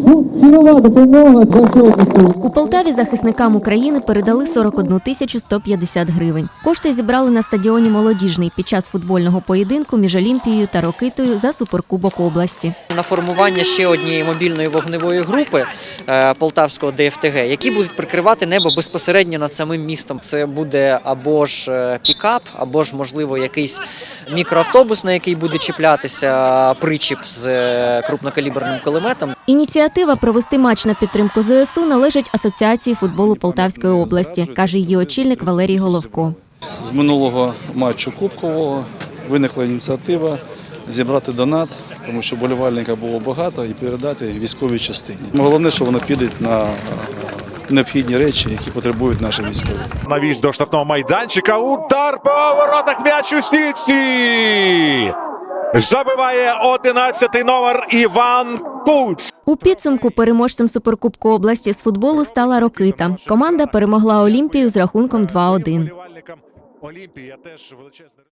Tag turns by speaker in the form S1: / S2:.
S1: цінова допомога для сьогоднішнього.
S2: У Полтаві захисникам України передали 41 тисячу 150 гривень. Кошти зібрали на стадіоні «Молодіжний» під час футбольного поєдинку між Олімпією та Рокитою за суперкубок області.
S3: На формування ще однієї мобільної вогневої групи Полтавського ДФТГ, які будуть прикривати небо безпосередньо над самим містом. Це буде або ж пікап, або ж, можливо, якийсь мікроавтобус, на який буде чіплятися причіп з крупнокаліберним кулеметом.
S2: Ініціатива провести матч на підтримку ЗСУ належить Асоціації футболу Полтавської області, каже її очільник Валерій Головко.
S4: З минулого матчу кубкового виникла ініціатива зібрати донат, тому що болівальників було багато, і передати військовій частині. Головне, що воно піде на необхідні речі, які потребують наші військові.
S5: Навіс до штрафного майданчика. Удар по воротах, м'яч у сітці. Забиває 11-й номер Іван Куц.
S2: У підсумку переможцем Суперкубку області з футболу стала Рокита. Команда перемогла Олімпію з рахунком 2-1.
S5: Олімпія теж величезний.